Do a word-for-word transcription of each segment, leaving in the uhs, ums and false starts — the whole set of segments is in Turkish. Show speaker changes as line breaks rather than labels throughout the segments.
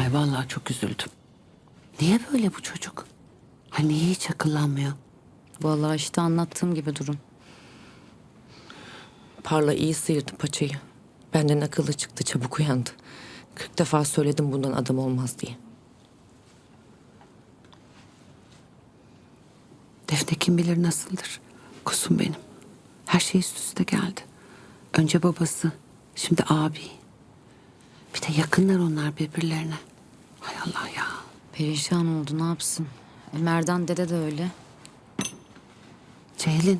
Ay vallahi çok üzüldüm. Niye böyle bu çocuk? Ha niye hiç akıllanmıyor?
Vallahi işte anlattığım gibi durum.
Parla iyi sıyırdı paçayı. Benden akıllı çıktı, çabuk uyandı. Kırk defa söyledim bundan adam olmaz diye.
Defne kim bilir nasıldır. Kusum benim. Her şey üst üste geldi. Önce babası, şimdi abi. Bir de yakınlar onlar birbirlerine. Hay Allah ya.
Perişan oldu, ne yapsın? E, Merdan dede de öyle.
Ceylin.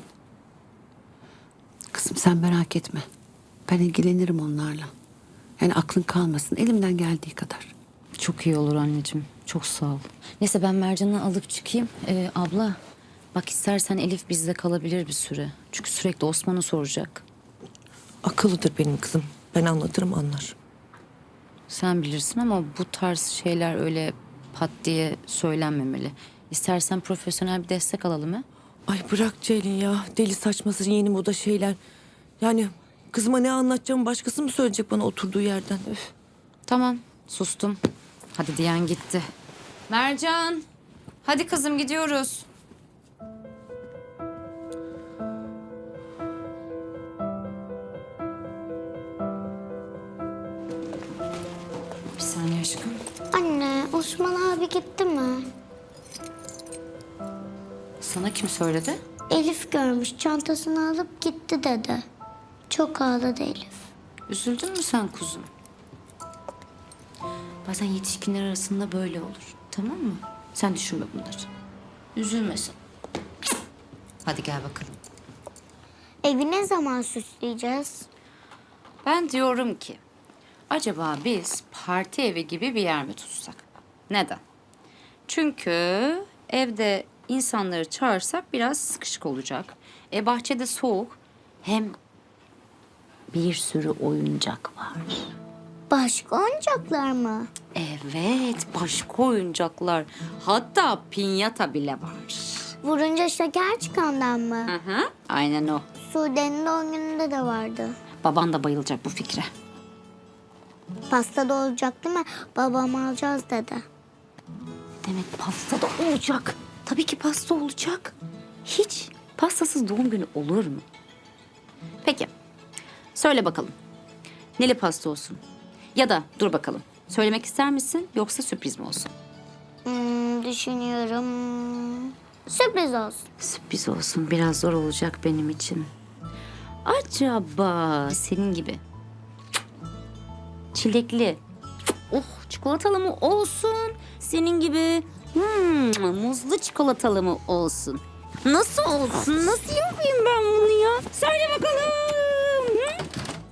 Kızım sen merak etme. Ben ilgilenirim onlarla. Yani aklın kalmasın elimden geldiği kadar.
Çok iyi olur anneciğim. Çok sağ ol. Neyse ben Mercan'ı alıp çıkayım. Ee, abla bak istersen Elif bizde kalabilir bir süre. Çünkü sürekli Osman'ı soracak.
Akıllıdır benim kızım. Ben anlatırım anlar.
Sen bilirsin ama bu tarz şeyler öyle pat diye söylenmemeli. İstersen profesyonel bir destek alalım ha?
Ay bırak Ceylin ya. Deli saçması yeni moda şeyler. Yani kızıma ne anlatacağımı başkası mı söyleyecek bana oturduğu yerden? Öf.
Tamam sustum. Hadi diyen gitti. Mercan. Hadi kızım gidiyoruz. Bir saniye aşkım.
Anne, Osman abi gitti mi?
Sana kim söyledi?
Elif görmüş, çantasını alıp gitti dedi. Çok ağladı Elif.
Üzüldün mü sen kuzum? Bazen yetişkinler arasında böyle olur. Tamam mı? Sen düşünme bunları. Üzülmesin. Hadi gel bakalım.
Evi ne zaman süsleyeceğiz?
Ben diyorum ki acaba biz parti evi gibi bir yer mi tutsak? Neden? Çünkü evde insanları çağırsak biraz sıkışık olacak. E bahçede soğuk. Hem bir sürü oyuncak var.
Başka oyuncaklar mı?
Evet, başka oyuncaklar. Hatta pinyata bile var.
Vurunca şeker çıkandan mı?
Hı hı, aynen o.
Sude'nin doğum gününde de vardı.
Baban da bayılacak bu fikre.
Pasta da olacak değil mi? Babam alacağız dedi.
Demek pasta da olacak. Tabii ki pasta olacak. Hiç pastasız doğum günü olur mu? Peki, söyle bakalım. Neli pasta olsun? Ya da dur bakalım. Söylemek ister misin yoksa sürpriz mi olsun?
Hmm, düşünüyorum. Sürpriz olsun.
Sürpriz olsun. Biraz zor olacak benim için. Acaba senin gibi çilekli, oh çikolatalı mı olsun? Senin gibi hmm, muzlu çikolatalı mı olsun? Nasıl olsun? Nasıl yapayım ben bunu ya? Söyle bakalım. Hı?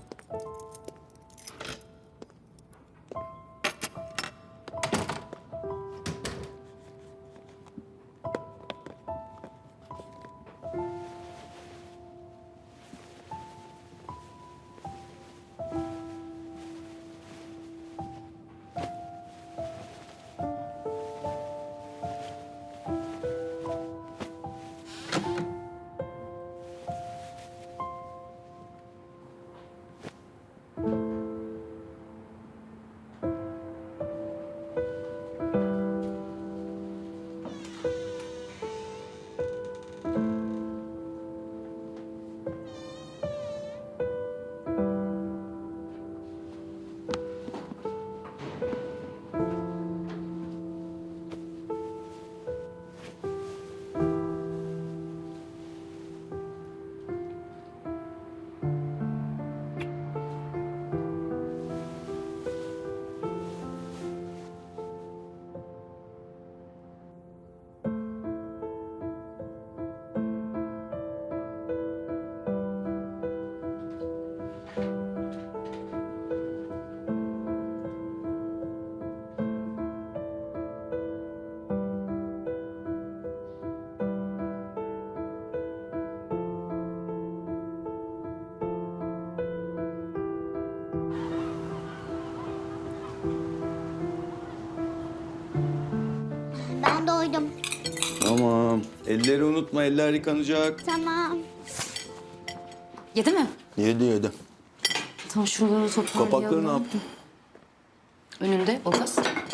Ben doydum.
Tamam. Elleri unutma, eller yıkanacak.
Tamam.
Yedi mi?
Yedi yedi.
Tam şuraları toparlayalım.
Kapakları ne yaptın?
Önünde o gaz.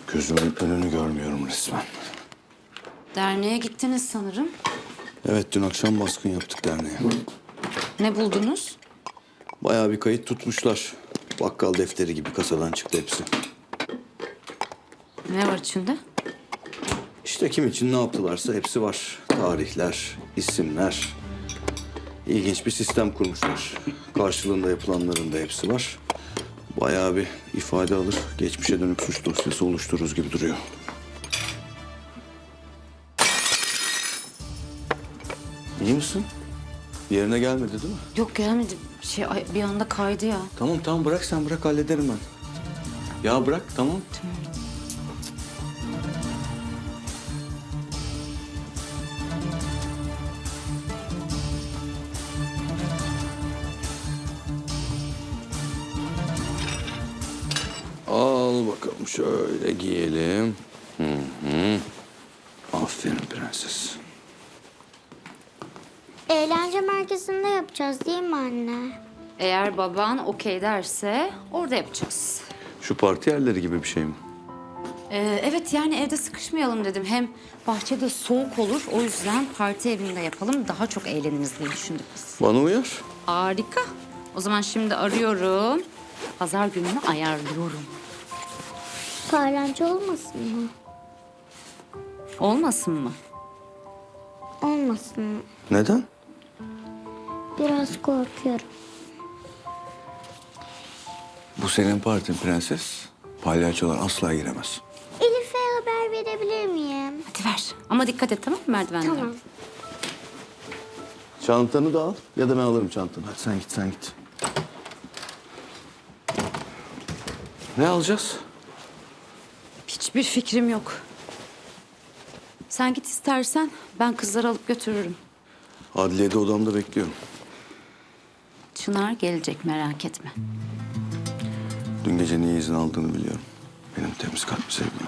Gözümün önünü görmüyorum resmen.
Derneğe gittiniz sanırım.
Evet, dün akşam baskın yaptık derneğe.
Ne buldunuz?
Bayağı bir kayıt tutmuşlar. Bakkal defteri gibi kasadan çıktı hepsi.
Ne var içinde?
İşte kim için ne yaptılarsa hepsi var. Tarihler, isimler. İlginç bir sistem kurmuşlar. Karşılığında yapılanların da hepsi var. Bayağı bir ifade alır, geçmişe dönük suç dosyası oluştururuz gibi duruyor. İyi misin? Yerine gelmedi değil mi?
Yok gelmedi. Şey ay, bir anda kaydı ya.
Tamam tamam bırak sen bırak hallederim ben. Ya bırak tamam. Al bakalım şöyle giyelim. Hı hı. Aferin prenses.
Eğlence merkezinde yapacağız değil mi anne?
Eğer baban okey derse orada yapacağız.
Şu parti yerleri gibi bir şey mi?
Ee, evet yani evde sıkışmayalım dedim. Hem bahçede soğuk olur. O yüzden parti evinde yapalım. Daha çok eğleniriz diye düşündük biz.
Bana uyar.
Harika. O zaman şimdi arıyorum. Pazar gününü ayarlıyorum.
Paylancı olmasın mı?
Olmasın mı?
Olmasın mı?
Neden?
Biraz korkuyorum.
Bu senin partin prenses. Palyaçolar asla giremez.
Elif'e haber verebilir miyim?
Hadi ver. Ama dikkat et tamam mı merdivenlere?
Tamam.
Çantanı da al ya da ben alırım çantanı. Hadi sen git sen git. Ne alacağız?
Hiçbir fikrim yok. Sen git istersen ben kızları alıp götürürüm.
Adliyede odamda bekliyorum.
Çınar gelecek merak etme.
Dün gece niye izin aldığını biliyorum. Benim temiz kalpli sevgilim.